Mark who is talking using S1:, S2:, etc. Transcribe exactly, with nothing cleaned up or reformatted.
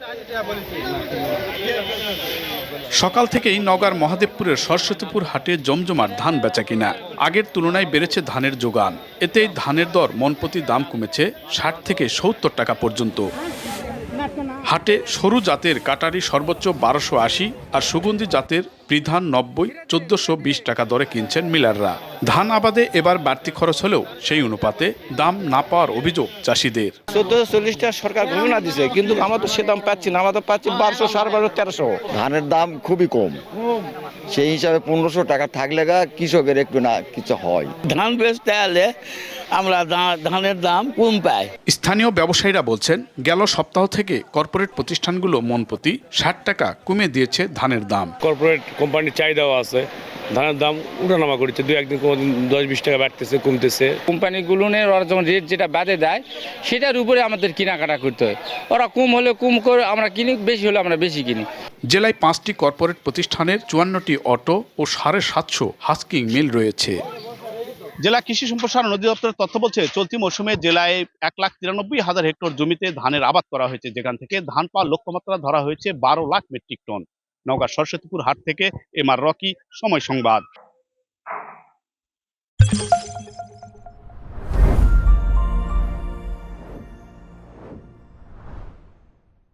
S1: সকাল থেকেই নওগাঁর মহাদেবপুরের সরস্বতীপুর হাটে জমজমাট ধান বেচা কিনা। আগের তুলনায় বেড়েছে ধানের যোগান। এতেই ধানের দর মনপ্রতি দাম কমেছে ষাট থেকে সত্তর টাকা পর্যন্ত। হাটে সরু জাতের কাটারি সর্বোচ্চ বারোশো আশি আর সুগন্ধি জাতের বিধান নব্বই চোদ্দশো বিশ টাকা দরে কিনছেন মিলাররা। ধান আবাদে এবার বাড়তি খরচ হলেও সেই অনুপাতে দাম না পাওয়ার অভিযোগ চাষিদের।
S2: চোদ্দশো চল্লিশ টাকা সরকার ঘোষণা দিচ্ছে, কিন্তু আমরা তো সে দাম পাচ্ছি না। আমরা তো পাচ্ছি বারোশো সাড়ে বারোশো তেরোশো।
S3: ধানের দাম খুবই কম, সেই হিসাবে পনেরোশো টাকা থাকলে গা কৃষকের একটু না কিছু হয়।
S4: ধান বেচতে হলে আমরা ধানের দাম কম পাই।
S1: স্থানীয় ব্যবসায়ীরা বলছেন, গেল সপ্তাহ থেকে কর্পোরেট প্রতিষ্ঠানগুলো মনপ্রতি ষাট টাকা কমে দিয়েছে ধানের দাম।
S5: কর্পোরেট কোম্পানির চাহিদাও আছে, ধানের দাম উঠানামা করছে, দুই একদিন কোনোদিন দশ বিশ টাকা বাড়তেছে কমতেছে।
S6: কোম্পানিগুলো ওরা যখন রেট যেটা বাদে দেয় সেটার উপরে আমাদের কেনাকাটা করতে হয়। ওরা কম হলে কম করে আমরা কিনি, বেশি হলে আমরা বেশি কিনি।
S1: জেলায় পাঁচটি কর্পোরেট প্রতিষ্ঠানের চুয়ান্নটি অটো ও সাড়ে সাতশো হাস্কিং মিল রয়েছে। জেলা কৃষি সম্প্রসারণ অধিদপ্তরের তথ্য বলছে, চলতি মৌসুমে জেলায় এক লাখ তিরানব্বই হাজার হেক্টর জমিতে ধানের আবাদ করা হয়েছে, যেখান থেকে ধান পাওয়ার লক্ষ্যমাত্রা ধরা হয়েছে বারো লাখ মেট্রিক টন। নওগাঁ সরস্বতীপুর হাট থেকে এম আর রকি, সময় সংবাদ।